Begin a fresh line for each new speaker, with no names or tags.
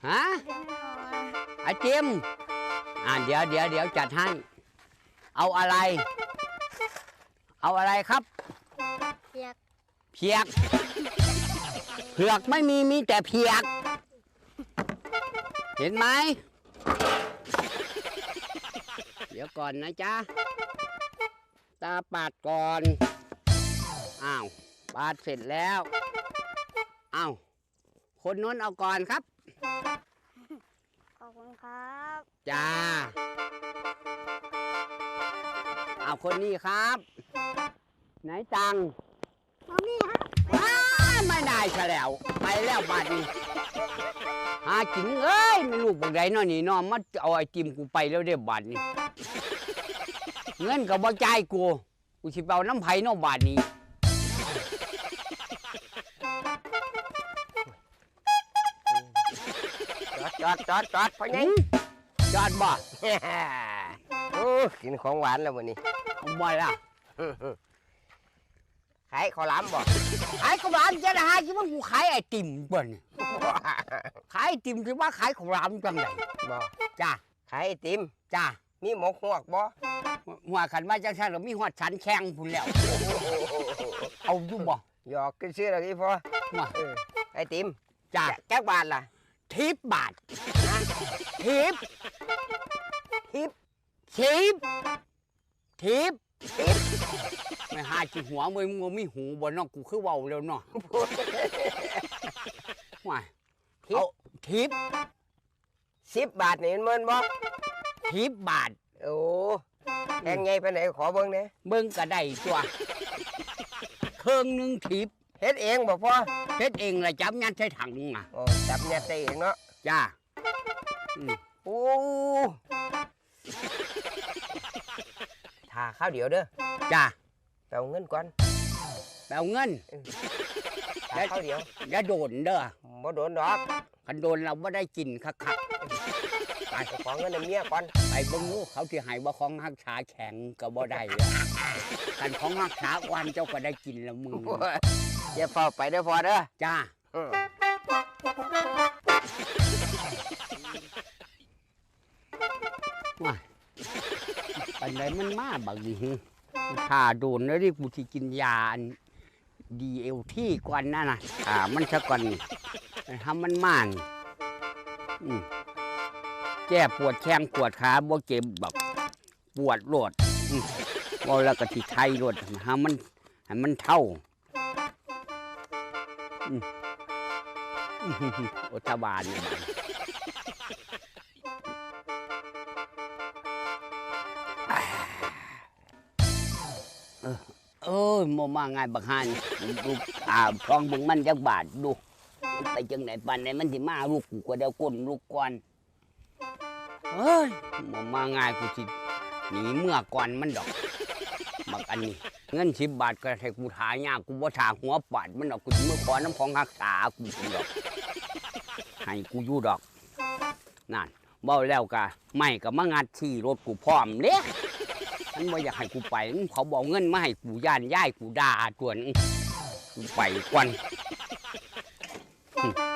ฮะไอติมเดี๋ยวจัดให้เอาอะไรครับเผือกเผือกไม่มีแต่เผือกเห็นไหมเดี๋ยวก่อนนะจ๊ะตาปาดก่อนอ้าวปาดเสร็จแล้วอ้าวคนนู้นเอาก่อนครับ
ขอบคุณครับ
จ้าเอาคนนี้ครับไหนจัง
นี่ครับ
ไม่ได้ซะแล้วไปแล้วบาดนี้หากินเอ้ยไม่รู้บอกใดนอนี่นอมาเอาไอติมกูไปแล้วเด้บาดนี้เงินกับบ่จ่ายกูสิไปเอาน้ำไผ่นอบาดนี้
จอดพอไง
จอดบ่
โอ้กินของหวานแล้ววันนี้
บ่ล่ะ
ขายข้าวหลามบ่
ขายข้าวหลามจะได้คิดว่ากูขายไอติมบ่นี่ขายไอติมคิดว่าขายข้าวหลามจังได
บ่
จ้า
ขายไอติม
จ้า
มีหมกหวกบ่
หัวขันมาจังซั่นแล้วมีฮอดฉันแข้งพุ่นแล้วเอาอยู่บ่
หยอกกันซื้อแล้วที่พอไอติม
จ้า
แก้วบาทล่ะ
10 บาททิปไม่หาจิหัวมึงมีหูบ่เนาะกูคือเว้าแล้วเนาะว้ายเอาทิป
10 บาทนี่มันบ่
10 บาท
โอ้แพงไงไปไหนขอเบิ่งแหน่
เบิ่งก็ได้ตัวเครื่องนึงทิป
เฮ็ดเองบ่พ่อ
เฮ็ดเองล่ะจับยัดใส่ถังอ่ะ
โอ้จับยัดใส่เองเนาะ
จ้า
โอ้ถ้าข้าวเดียวเด้อ
จ้า
ไปเอาเงินก่อน
ไปเอาเงิน
ถ้าข้าวเดียว
อย่าโดนเด้อ
บ่โดนดอก
คันโดนเราบ่ได้กินคัก
ไปขอเงินเมียก่อน
ไปเบิ่งดูเขาสิให้บ่ของรักษาแข็งก็บ่ได้คันของรักษาวันเจ้าก็ได้กินแล้วมึง
อย่าเฝ้าไปเด้อพอเด้อ
จ้าว้ายอันไหนมันมาบักดิถ้าโดนแล้วดิกูสิกินยาDLTก่อนนั่นน่ะมันซะก่อนนี่ทำมันม่านแก้ปวดแข้งปวดขาบ่เจ็บแบบปวดโลดบ่แล้วก็สิไทยโลดให้มันเท่าอุทบาลเนี่ยโมมาง่ายบักฮานดูพองบึงมันจักบาทดูไปจังไหนปันไหนมันสิมาลูกกูก็เดี๋ยวก้นลูกก่อนเฮ้ยโมมาง่ายกูสิหนีเมื่อก่อนมันดอกบักอันนี้เงิน10 บาทก็ให้กูถายากกูบ่ถาหัวปาดมันดอกกูเมื่อก่อนน้ำของรักษากูดอกให้กูอยู่ดอกนั่นเบ้าแล้วกะไม่ก็มางัดที่รถกูพร้อมเด้มันบ่อยากให้กูไปเขาบอกเงินมาให้กูย่ายกูด่าจวนกูไปก่อน